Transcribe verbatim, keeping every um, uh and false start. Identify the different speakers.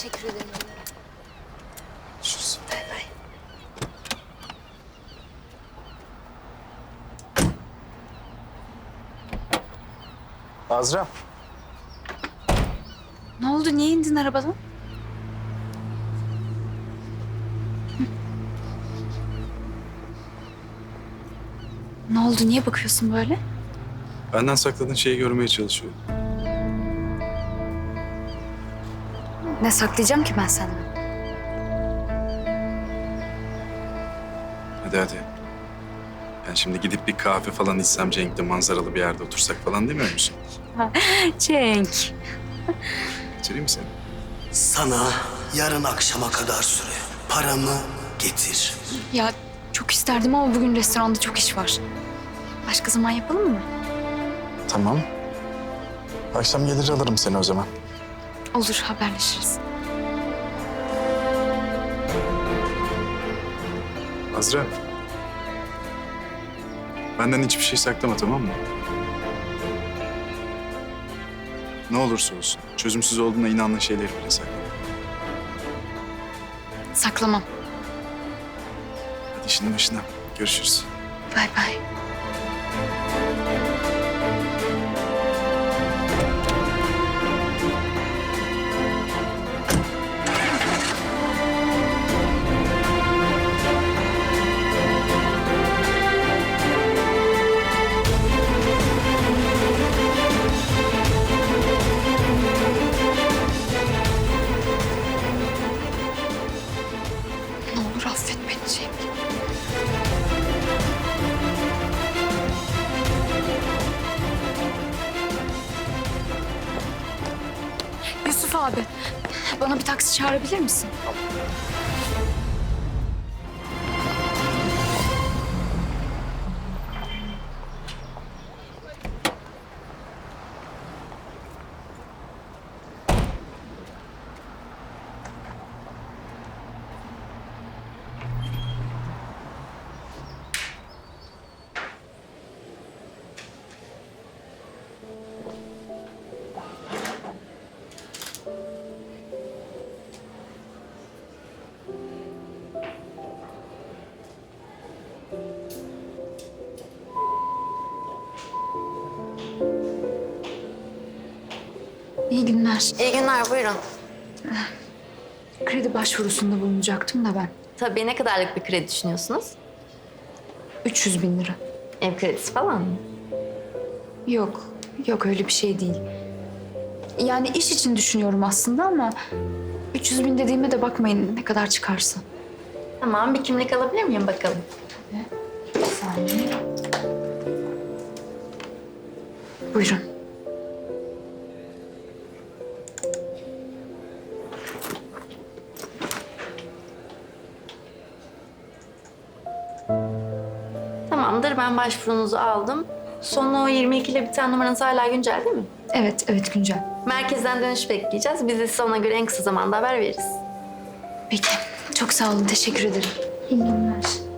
Speaker 1: Teşekkür ederim.
Speaker 2: Görüşürüz.
Speaker 1: Bay bay.
Speaker 2: Azra.
Speaker 1: Ne oldu? Niye indin arabadan? Hı. Ne oldu? Niye bakıyorsun böyle?
Speaker 2: Benden sakladığın şeyi görmeye çalışıyorum.
Speaker 1: Ne saklayacağım ki ben senden?
Speaker 2: Hadi hadi. Yani şimdi gidip bir kahve falan içsem Cenk'le manzaralı bir yerde otursak falan demiyor musun?
Speaker 1: Cenk.
Speaker 2: Götüreyim mi seni?
Speaker 3: Sana yarın akşama kadar süre. Paramı getir.
Speaker 1: Ya çok isterdim ama bugün restoranda çok iş var. Başka zaman yapalım mı?
Speaker 2: Tamam. Akşam gelir alırım seni o zaman.
Speaker 1: Olur, haberleşiriz.
Speaker 2: Azra. Benden hiçbir şey saklama, tamam mı? Ne olursa olsun. Çözümsüz olduğuna inandığın şeyleri bile saklama.
Speaker 1: Saklamam.
Speaker 2: Hadi işinin başına. Görüşürüz.
Speaker 1: Bay bay. Ne olur affet beni Cenk. Yusuf abi, bana bir taksi çağırabilir misin? İyi günler.
Speaker 4: İyi günler, buyurun.
Speaker 1: Kredi başvurusunda bulunacaktım da ben.
Speaker 4: Tabii ne kadarlık bir kredi düşünüyorsunuz?
Speaker 1: üç yüz bin lira.
Speaker 4: Ev kredisi falan mı?
Speaker 1: Yok, yok öyle bir şey değil. Yani iş için düşünüyorum aslında ama üç yüz bin dediğime de bakmayın ne kadar çıkarsa.
Speaker 4: Tamam, bir kimlik alabilir miyim bakalım?
Speaker 1: Bir saniye. Buyurun.
Speaker 4: Tamamdır, ben başvurunuzu aldım. Sonu yirmi iki ile biten numaranız hala güncel değil mi?
Speaker 1: Evet, evet güncel.
Speaker 4: Merkezden dönüş bekleyeceğiz. Biz de size ona göre en kısa zamanda haber veririz.
Speaker 1: Peki, çok sağ olun, teşekkür ederim. İyi günler.